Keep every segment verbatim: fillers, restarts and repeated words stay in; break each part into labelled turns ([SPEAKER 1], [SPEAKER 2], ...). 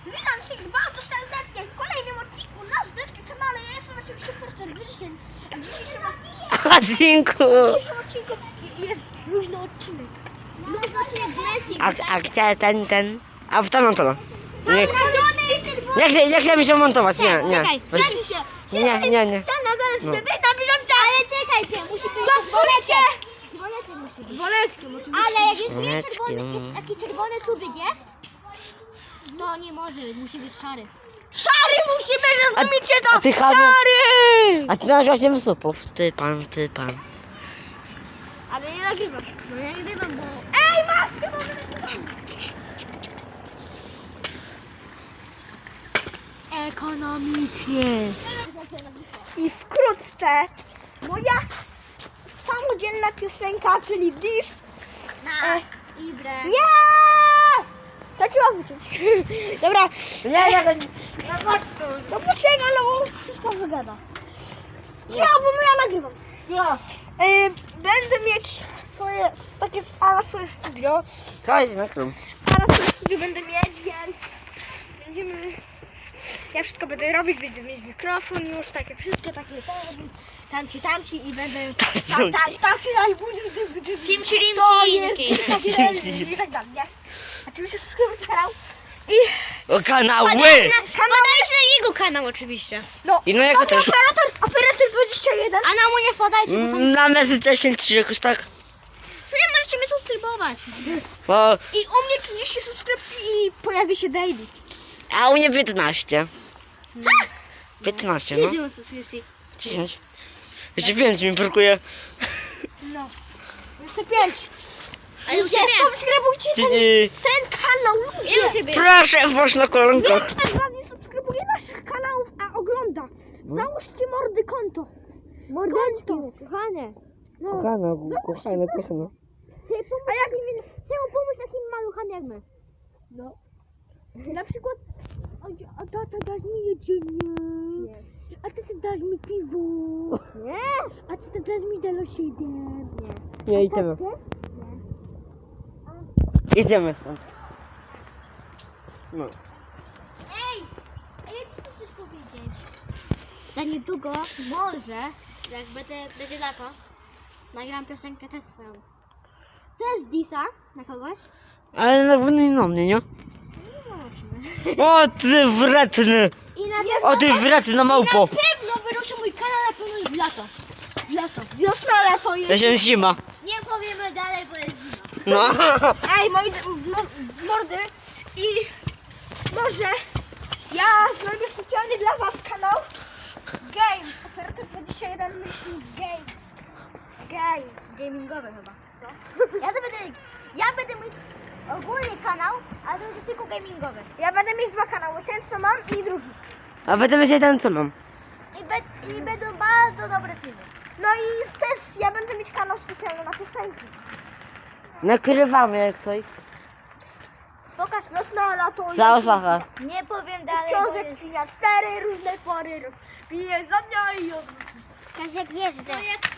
[SPEAKER 1] Witam wszystkich bardzo serdecznie w kolejnym odcinku na Zdeczki kanale. Ja jestem oczywiście Porter Wyszyn. A w dzisiejszym,
[SPEAKER 2] Odcinku.
[SPEAKER 1] w dzisiejszym odcinku jest luźny odcinek. Luźny odcinek z Messi.
[SPEAKER 2] A, a gdzie ten, ten? A w tamtą stronę. Nie,
[SPEAKER 1] Nadziony jest czerwony.
[SPEAKER 2] nie, chcę, nie chcę mi się montować, nie, nie.
[SPEAKER 1] Czekaj,
[SPEAKER 2] Weź-
[SPEAKER 1] zgadnij się.
[SPEAKER 2] Nie, nie, nie.
[SPEAKER 1] Ten zaraz
[SPEAKER 2] No.
[SPEAKER 1] no. na bieżąco. Ale czekajcie, musi być dzwoneczek. Dzwoneczek musi być. Dzwoneczkiem oczywiście. Ale jak już jest czerwony,
[SPEAKER 2] Dzwoneczkiem.
[SPEAKER 1] jest taki czerwony subik jest, to nie może być, musi być szary. Szary musi być, rozumiecie to?
[SPEAKER 2] a ty, Hania?
[SPEAKER 1] Szary!
[SPEAKER 2] A ty masz osiem supów. Ty pan, ty pan.
[SPEAKER 1] Ale nie nagrywasz. No nie nagrywam, bo... Ej, masz chyba ekonomicznie. I wkrótce moja s- samodzielna piosenka, czyli Diss.
[SPEAKER 3] Na Ibrę.
[SPEAKER 1] Nie! To trzeba wyciąć. Dobra.
[SPEAKER 2] Nie, nie, nie.
[SPEAKER 1] No poczekaj, no bo wszystko wygada. Ja, bo ja nagrywam.
[SPEAKER 2] Ja.
[SPEAKER 1] Yy, będę mieć swoje, takie ala swoje studio.
[SPEAKER 2] To jest na krum.
[SPEAKER 1] Ala swoje studio będę mieć, więc będziemy... Ja wszystko będę robić, będę mieć mikrofon już, takie wszystko, takie tamci, tamci i będę... Tam, tam, tamci, tam,
[SPEAKER 3] Timci, rimci,
[SPEAKER 1] to
[SPEAKER 3] i
[SPEAKER 1] jest
[SPEAKER 3] takie.
[SPEAKER 1] takie i tak dalej, nie? Oczywiście subskrybujcie kanał i...
[SPEAKER 2] O, kanały!
[SPEAKER 3] Podajcie na jego kanał oczywiście.
[SPEAKER 1] No,
[SPEAKER 2] I no jako
[SPEAKER 1] no,
[SPEAKER 2] też.
[SPEAKER 1] operator, operator dwadzieścia jeden.
[SPEAKER 3] A na mu nie wpadajcie, bo tam...
[SPEAKER 2] Na mesy dziesięć trzy jakoś tak.
[SPEAKER 3] Co nie możecie mnie subskrybować?
[SPEAKER 2] Bo,
[SPEAKER 1] I u mnie trzydzieści subskrypcji i pojawi się daily.
[SPEAKER 2] a u mnie piętnaście.
[SPEAKER 3] Co?
[SPEAKER 2] piętnaście, no.
[SPEAKER 3] Ile mam subskrypcji?
[SPEAKER 2] dziesięć. Jeszcze pięć mi brakuje.
[SPEAKER 1] No. Jeszcze pięć.
[SPEAKER 3] A u
[SPEAKER 1] Ludzie,
[SPEAKER 3] ciebie?
[SPEAKER 1] subskrybujcie ten,
[SPEAKER 2] Yy,
[SPEAKER 1] ten kanał,
[SPEAKER 3] Ile u
[SPEAKER 1] ludzie.
[SPEAKER 3] ciebie?
[SPEAKER 2] Proszę, włóż na kolankach.
[SPEAKER 1] Większość z was nie subskrybuje naszych kanałów, a ogląda. Załóżcie mordy konto. Konto.
[SPEAKER 3] Kochane.
[SPEAKER 1] No.
[SPEAKER 2] Kochana, kochana, kochana.
[SPEAKER 1] A jak czemu pomóż takim maluchom jak my? No. Na przykład, a, a tata dasz mi jedzenie. Nie. A tata dasz mi piwo. Nie. A tata dasz mi Dalo siedem. Nie.
[SPEAKER 2] Nie, idziemy. Idziemy stąd. No.
[SPEAKER 3] Ej! A jak ty chcesz powiedzieć? Za niedługo, może, jak będzie, będzie lato, nagram piosenkę też swoją. Też Disa na kogoś?
[SPEAKER 2] Ale na pewno nie na mnie, nie?
[SPEAKER 3] Nieważne.
[SPEAKER 2] O, ty wredny!
[SPEAKER 3] I na
[SPEAKER 2] O, ty wredny małpo!
[SPEAKER 3] pewno wyruszy mój kanał na pewno już w lato.
[SPEAKER 1] Lato. Wiosna, lato jest.
[SPEAKER 2] To się zima.
[SPEAKER 3] Nie powiemy dalej, bo jest zima.
[SPEAKER 2] No.
[SPEAKER 1] Ej, moi d- mo- mordy i może ja zrobię specjalnie dla was kanał Games. Operator dwadzieścia jeden myśli Games. Games.
[SPEAKER 3] Gamingowe chyba. Ja to będę, ja będę mieć ogólny kanał, ale to będzie tylko gamingowy.
[SPEAKER 1] Ja będę mieć dwa kanały, ten co mam i drugi.
[SPEAKER 2] A będę mieć ten co mam.
[SPEAKER 3] I, be, I będą bardzo dobre filmy.
[SPEAKER 1] No i też ja będę mieć kanał specjalny na piosenki.
[SPEAKER 2] Nakrywamy jak coś.
[SPEAKER 3] Pokaż,
[SPEAKER 1] Wiosna, lato i
[SPEAKER 2] Cała słacha.
[SPEAKER 3] nie powiem dalej, bo
[SPEAKER 1] książek
[SPEAKER 3] jest...
[SPEAKER 1] świnia, cztery różne pory rok. Piję za dnia i odwrót.
[SPEAKER 3] Kasiak jeżdżę.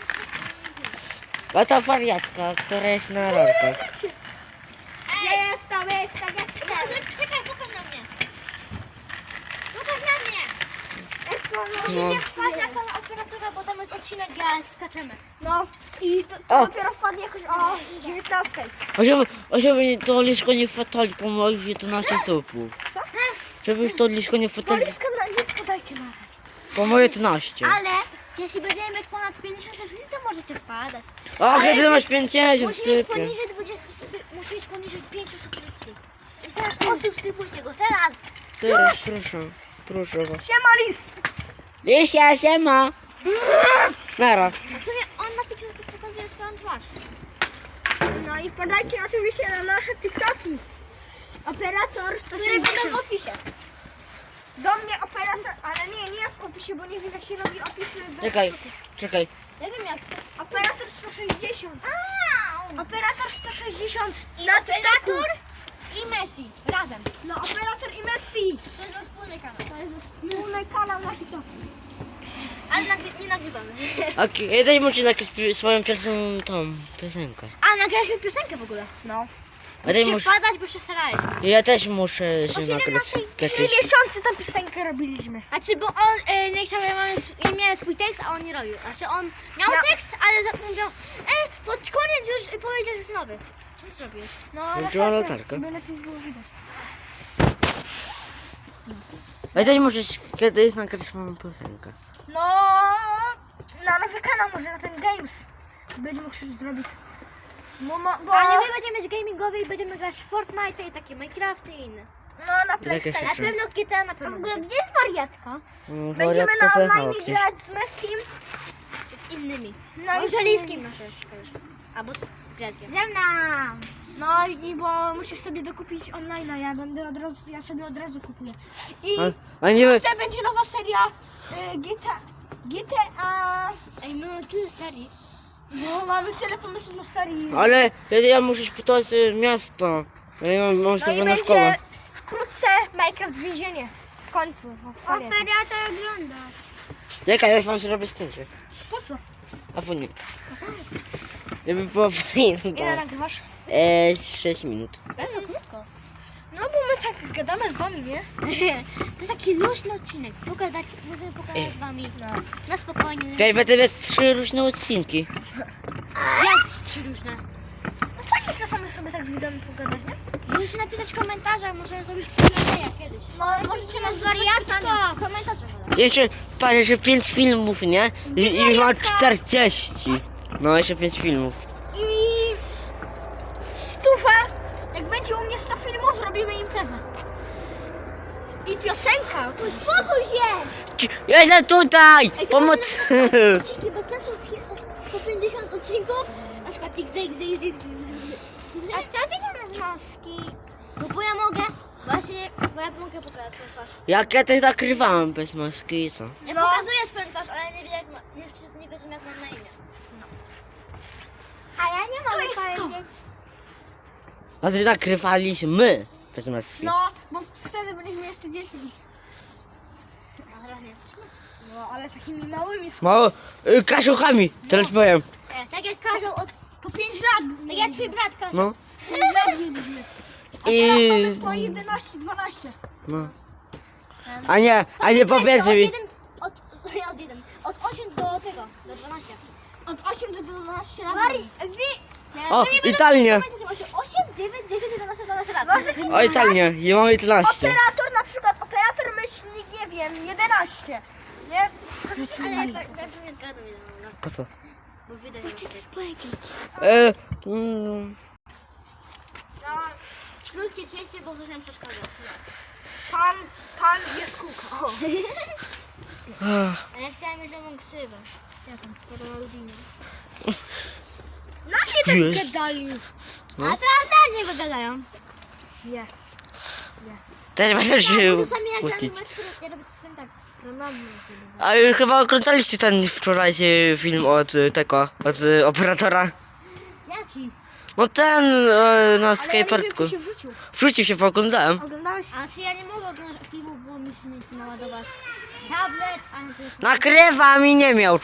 [SPEAKER 2] A ta wariatka, która jest na rolkach.
[SPEAKER 1] Jest sobie tak jak
[SPEAKER 3] Czekaj, pokaż na mnie. Pokaż na mnie.
[SPEAKER 2] No.
[SPEAKER 3] Musicie wpaść na kanał operatora, bo tam jest odcinek, jak skaczemy.
[SPEAKER 1] No i to, to
[SPEAKER 2] O.
[SPEAKER 1] dopiero wpadnie jakoś o dziewiętnastej.
[SPEAKER 2] A żeby, a żeby to liszko nie wpadali po moich jedenaście supów.
[SPEAKER 1] Co?
[SPEAKER 2] Żebyś to liszko nie wpadali
[SPEAKER 1] Woliska na nic podajcie na razie.
[SPEAKER 2] po moje jedenaście.
[SPEAKER 3] Ale jeśli będziemy mieć ponad pięćdziesiąt subskrypcji, to możecie wpadać.
[SPEAKER 2] A kiedy masz pięćdziesiąt
[SPEAKER 3] Musi mieć
[SPEAKER 2] typie.
[SPEAKER 3] poniżej dwudziestu, subskryp- musi mieć poniżej pięciu subskrypcji. I teraz posubskrybujcie go, teraz.
[SPEAKER 2] Teraz proszę, proszę was.
[SPEAKER 1] Siema lis!
[SPEAKER 2] Lisia, siema. Nara.
[SPEAKER 3] A w sumie on na TikToku pokazuje swoją twarz.
[SPEAKER 1] No i podajcie oczywiście na nasze TikToki. Operator sto
[SPEAKER 3] Które będą w
[SPEAKER 1] sześćdziesiąt.
[SPEAKER 3] opisie.
[SPEAKER 1] Do mnie operator, ale nie, nie w opisie, bo nie wiem jak się robi opisy do
[SPEAKER 2] Czekaj,
[SPEAKER 1] TikToku.
[SPEAKER 2] czekaj.
[SPEAKER 3] Ja wiem jak.
[SPEAKER 1] Operator sto sześćdziesiąt. Operator sto sześćdziesiąt
[SPEAKER 3] I
[SPEAKER 1] na TikToku.
[SPEAKER 3] operator i Messi. Razem.
[SPEAKER 1] No operator i Messi.
[SPEAKER 3] To jest nasz wspólny kanał.
[SPEAKER 1] To jest wspólny kanał na TikToku.
[SPEAKER 3] Ale nagry nie nagrywamy.
[SPEAKER 2] Okej, okay, daj mu ci nagrać pi- swoją pierwszą tą piosenkę.
[SPEAKER 3] A nagraliśmy piosenkę w ogóle.
[SPEAKER 1] No.
[SPEAKER 2] A ty
[SPEAKER 3] Musicie
[SPEAKER 2] mus...
[SPEAKER 3] wpadać, bo się starałeś.
[SPEAKER 2] Ja też muszę się nagrać
[SPEAKER 1] Trzy
[SPEAKER 2] jakieś...
[SPEAKER 1] miesiące tam piosenkę robiliśmy.
[SPEAKER 3] Znaczy, bo on e, nie chciał, ja miałem, ja miałem swój tekst, a on nie robił. Znaczy, on miał
[SPEAKER 1] Ja-
[SPEAKER 3] tekst, ale zapomniał, e, pod koniec już powiedział, że jest nowy. Co ty zrobiłeś?
[SPEAKER 1] No,
[SPEAKER 2] Włączyła latarkę.
[SPEAKER 1] Żeby lepiej było widać.
[SPEAKER 2] Ja też muszę się kiedyś nagrać moją piosenkę.
[SPEAKER 1] No, na nowy kanał może na ten Games. Będzie mógł coś zrobić. No, no, bo...
[SPEAKER 3] Ale my będziemy mieć gamingowy i będziemy grać w Fortnite i takie Minecrafty i inne.
[SPEAKER 1] No, na
[SPEAKER 2] Jakie
[SPEAKER 1] PlayStation.
[SPEAKER 3] Na
[SPEAKER 2] Trzy.
[SPEAKER 3] pewno G T A na pewno.
[SPEAKER 1] W ogóle,
[SPEAKER 3] będzie.
[SPEAKER 1] gdzie jest wariatka?
[SPEAKER 2] Mm,
[SPEAKER 1] Będziemy
[SPEAKER 2] wariatka
[SPEAKER 1] na
[SPEAKER 2] pojechała
[SPEAKER 1] online
[SPEAKER 2] gdzieś.
[SPEAKER 1] grać z Messim.
[SPEAKER 3] Z innymi.
[SPEAKER 1] No
[SPEAKER 3] No
[SPEAKER 1] i
[SPEAKER 3] i żeliwskim nasze jeszcze. Albo z, z Greckiem.
[SPEAKER 1] Ze mną! No i bo musisz sobie dokupić online, a ja będę od razu, ja sobie od razu kupuję. I
[SPEAKER 2] A, a nie...
[SPEAKER 1] wkrótce będzie nowa seria y, G T A. G T A.
[SPEAKER 3] Ej, my mamy tyle serii.
[SPEAKER 1] No mamy tyle pomysłów na serii.
[SPEAKER 2] Ale ja, ja muszę spytać y, miasto. Ja mam, mam
[SPEAKER 1] No
[SPEAKER 2] sobie
[SPEAKER 1] i
[SPEAKER 2] na szkołę.
[SPEAKER 1] będzie wkrótce Minecraft więzienie. W końcu. w serii.
[SPEAKER 3] Operator ogląda.
[SPEAKER 2] Czekaj, ja wam zrobię zdjęcie.
[SPEAKER 1] Po co?
[SPEAKER 2] A po nie. Żeby było fajnie.
[SPEAKER 1] Ile nagrywasz?
[SPEAKER 2] Eee, sześć minut.
[SPEAKER 3] Pewno krótko.
[SPEAKER 1] No bo my tak gadamy z wami, nie?
[SPEAKER 3] To jest taki luźny odcinek. Pogadać, możemy pogadać z wami.
[SPEAKER 1] No.
[SPEAKER 3] Na spokojnie.
[SPEAKER 2] Tutaj będę mieć trzy różne odcinki.
[SPEAKER 3] Jak trzy różne?
[SPEAKER 1] No fajnie czasami sobie tak z widzami pogadać, nie?
[SPEAKER 3] Możecie napisać w komentarzach, możemy zrobić Q&A kiedyś.
[SPEAKER 1] No,
[SPEAKER 3] Możecie nas wariatko w komentarzach.
[SPEAKER 2] Jeszcze, patrz, jeszcze pięć filmów, nie? I, i już mam czterdzieści. No, jeszcze pięć filmów.
[SPEAKER 1] I stufa, jak będzie u mnie sto filmów, zrobimy imprezę. I piosenka.
[SPEAKER 3] Uspokój się!
[SPEAKER 2] Jestem tutaj!
[SPEAKER 3] Ej, to
[SPEAKER 2] Pomoc!
[SPEAKER 3] mamy odcinki bez sensu pi- po pięćdziesiąt odcinków. Na przykład X, X, X, X,
[SPEAKER 1] A co ty nie masz maski?
[SPEAKER 3] No bo ja mogę. Właśnie, bo ja mogę pokazać swoją twarz.
[SPEAKER 2] Jak ja też nakrywałem bez maski i co?
[SPEAKER 3] Ja
[SPEAKER 1] No.
[SPEAKER 3] pokazuję swoją twarz, ale nie wiem jak ma, nie, nie wiedzą jak mam na imię.
[SPEAKER 1] A ja nie mogę
[SPEAKER 3] jest to.
[SPEAKER 1] powiedzieć.
[SPEAKER 2] A ty nakrywaliśmy bez maski.
[SPEAKER 1] No, bo wtedy byliśmy jeszcze dziećmi.
[SPEAKER 3] A teraz nie jesteśmy.
[SPEAKER 1] No, ale takimi małymi.
[SPEAKER 2] Mało, y, kaszukami, teraz powiem.
[SPEAKER 3] E, tak jak każą od...
[SPEAKER 1] Po pięć lat.
[SPEAKER 3] Tak jak twój brat każą.
[SPEAKER 2] No.
[SPEAKER 1] pięć lat mieliśmy. A
[SPEAKER 2] I...
[SPEAKER 1] teraz mamy po jedenaście, dwanaście.
[SPEAKER 2] No. A nie, a nie po
[SPEAKER 3] Od
[SPEAKER 2] pierwsze mi.
[SPEAKER 3] jeden, od, od jeden, od osiem do tego, do dwunastu.
[SPEAKER 1] Od osiem do dwunastu lat.
[SPEAKER 3] Mari,
[SPEAKER 1] Nie,
[SPEAKER 2] O,
[SPEAKER 1] to nie będę-
[SPEAKER 2] Italnie.
[SPEAKER 3] osiem, dziewięć, dziesięć, jedenaście, dwanaście lat.
[SPEAKER 1] Możecie
[SPEAKER 2] O, Italnie, ja mam jedenaście.
[SPEAKER 1] Operator na przykład, operator myślnik, nie wiem, jedenaście. Nie?
[SPEAKER 3] Ale ja tak ja nie zgadzam, nie wiem, no,
[SPEAKER 2] Po co?
[SPEAKER 3] bo widać, że powiedzieć.
[SPEAKER 2] E, mm,
[SPEAKER 1] No,
[SPEAKER 3] Krótkie cięcie, bo ktoś nam przeszkadza.
[SPEAKER 1] pan, pan jest kółko. O.
[SPEAKER 2] ach,
[SPEAKER 3] A ja chciałem mieć nową ksywę. Jaką? Ronaldinho.
[SPEAKER 1] Nasi tak
[SPEAKER 2] Jest.
[SPEAKER 1] gadali.
[SPEAKER 2] No.
[SPEAKER 3] A teraz też nie wygadają.
[SPEAKER 1] Nie.
[SPEAKER 2] też będę się
[SPEAKER 3] Czasami jak
[SPEAKER 2] puścić.
[SPEAKER 3] gramy mecz, to ja robię czasem tak.
[SPEAKER 1] Ronaldo.
[SPEAKER 2] A y, chyba oglądaliście ten wczorajszy film od y, tego, od y, operatora.
[SPEAKER 3] Jaki?
[SPEAKER 2] No ten y, na
[SPEAKER 1] Ale ja nie wiem,
[SPEAKER 2] skateparku.
[SPEAKER 1] czy się wrzucił.
[SPEAKER 2] Wrzucił się, pooglądałem.
[SPEAKER 1] Oglądałeś?
[SPEAKER 3] A czy ja nie mogę oglądać filmów, bo mi się nie chce naładować tablet, a na telefon.
[SPEAKER 2] Nakrywam i nie miał.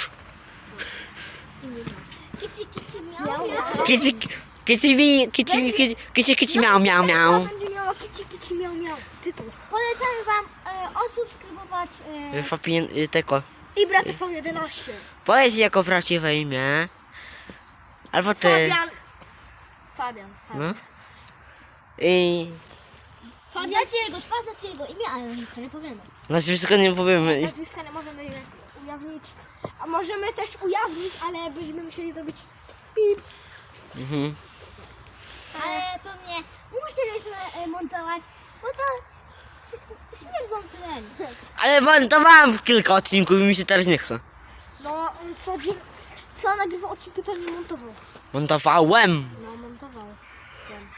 [SPEAKER 3] Kici, kici, miał, miał.
[SPEAKER 2] Kici, kici mi, kici mi, kici, kici, kici miał, miał, miał.
[SPEAKER 1] Będzie miała kici, kici, miał, miał. Tytuł.
[SPEAKER 3] Polecamy wam e, odsubskrybować e,
[SPEAKER 2] Fapin, y, tego.
[SPEAKER 1] I brat T V jedenaście.
[SPEAKER 2] Powiedz jako prawdziwe imię. Albo ty.
[SPEAKER 1] Fabian. Fabian. Fabian.
[SPEAKER 2] No. I
[SPEAKER 1] Fabian.
[SPEAKER 3] Znacie jego twarz, znacie jego imię, ale to nie powiemy.
[SPEAKER 2] nazwisko nie powiemy.
[SPEAKER 1] Nazwiska nie możemy ujawnić. A możemy też ujawnić, ale byśmy musieli zrobić pip.
[SPEAKER 2] Mhm.
[SPEAKER 3] Ale pewnie musieliśmy e, montować, bo to ś- śmierdzący len.
[SPEAKER 2] Ale montowałem w kilka odcinków i mi się teraz nie chce.
[SPEAKER 1] No, on co, dzień- co nagrywał odcinki, to nie montował.
[SPEAKER 2] Montowałem.
[SPEAKER 1] No, montował. Wiem.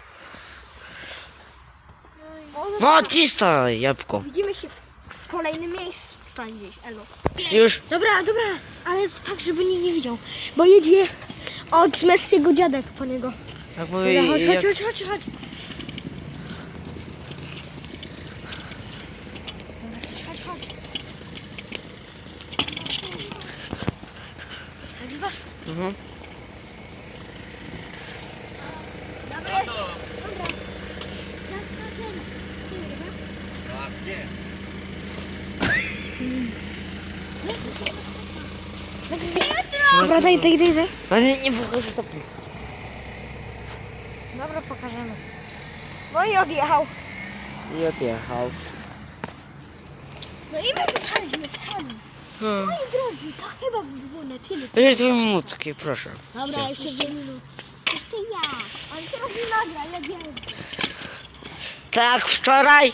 [SPEAKER 2] No cisto, jabłko.
[SPEAKER 1] Widzimy się w, w kolejnym miejscu. Tutaj gdzieś, elo.
[SPEAKER 2] Już.
[SPEAKER 1] Dobra, dobra, ale jest tak, żeby nikt nie widział. Bo jedzie od Messiego dziadek po niego.
[SPEAKER 2] Tak
[SPEAKER 1] Dobra,
[SPEAKER 2] mówię,
[SPEAKER 1] chodź,
[SPEAKER 2] jak...
[SPEAKER 1] chodź, chodź, chodź, chodź. Chodź, chodź. Nagrywasz?
[SPEAKER 2] Mhm.
[SPEAKER 1] Dobry. Dobra, daj, daj, daj, daj.
[SPEAKER 2] Ale nie, nie pokażę stopy.
[SPEAKER 1] Dobra, pokażemy. No i odjechał.
[SPEAKER 2] I odjechał.
[SPEAKER 3] No i my zostaliśmy sami.
[SPEAKER 2] Hmm.
[SPEAKER 3] Moi drodzy, to chyba by było na tyle.
[SPEAKER 2] Bierz dwie minutki, proszę.
[SPEAKER 3] Dobra, jeszcze dwie minuty. Jeszcze ja.
[SPEAKER 1] Ale teraz nie nagra, ja wiem.
[SPEAKER 2] Tak, wczoraj.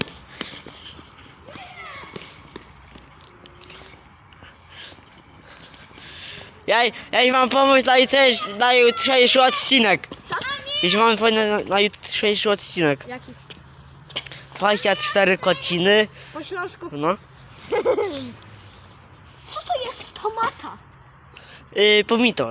[SPEAKER 2] Ja, ja już mam pomysł na jutrzejszy, na jutrzejszy odcinek.
[SPEAKER 1] Co?
[SPEAKER 2] Już mam pomysł na, na jutrzejszy odcinek.
[SPEAKER 1] Jaki?
[SPEAKER 2] dwadzieścia cztery kociny.
[SPEAKER 1] Po śląsku.
[SPEAKER 2] No.
[SPEAKER 1] Co to jest tomata?
[SPEAKER 2] Yy, pomidor.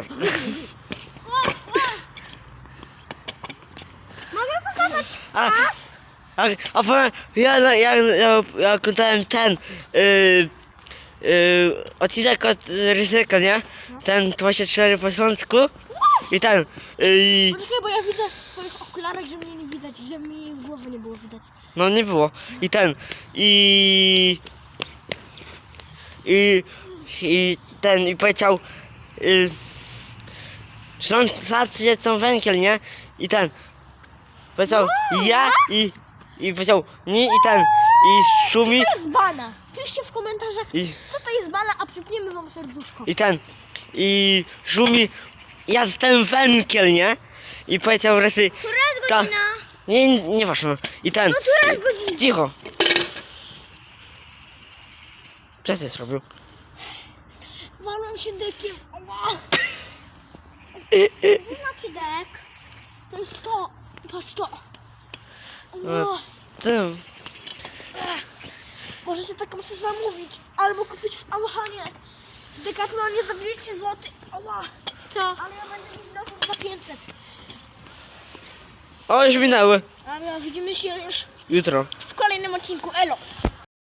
[SPEAKER 1] Mogę pokazać?
[SPEAKER 2] A, a, a powiem, ja, ja, ja, ja, ja oglądałem ten yy, yy, odcinek od Ryzyka, nie? Ten dwadzieścia cztery po śląsku. I ten. Yy,
[SPEAKER 1] Poczekaj, bo ja widzę w swoich okularach, że mnie nie widać, że mi głowy nie było widać.
[SPEAKER 2] no nie było. I ten. I. I. I ten. I powiedział. Yy, Rządzacy są węgiel, nie? I ten. Powiedział ja i. I powiedział nie i ten. I szumi.
[SPEAKER 1] To jest bana. Piszcie w komentarzach,
[SPEAKER 2] I,
[SPEAKER 1] co to jest bana, a przypniemy wam serduszko.
[SPEAKER 2] I ten. I szumi. Ja jestem węgiel, nie? I powiedział resy.
[SPEAKER 3] Która jest
[SPEAKER 2] Ta-
[SPEAKER 3] godzina?
[SPEAKER 2] Nie, nie ważne. I ten.
[SPEAKER 3] No która jest godzina?
[SPEAKER 2] Cicho. Przestań zrobił.
[SPEAKER 1] Walą się dekiem. Ała.
[SPEAKER 3] Nie macie dek.
[SPEAKER 1] To jest to. Patrz to.
[SPEAKER 2] No.
[SPEAKER 1] Ała.
[SPEAKER 2] Tym.
[SPEAKER 1] Możecie taką sobie zamówić, albo kupić w Auchanie. W Decathlonie za dwieście złotych. Ała.
[SPEAKER 3] Co?
[SPEAKER 1] Ale ja będę mieć nową za pięćset.
[SPEAKER 2] O, już minęły.
[SPEAKER 1] Ale widzimy się już
[SPEAKER 2] Jutro.
[SPEAKER 1] w kolejnym odcinku. Elo.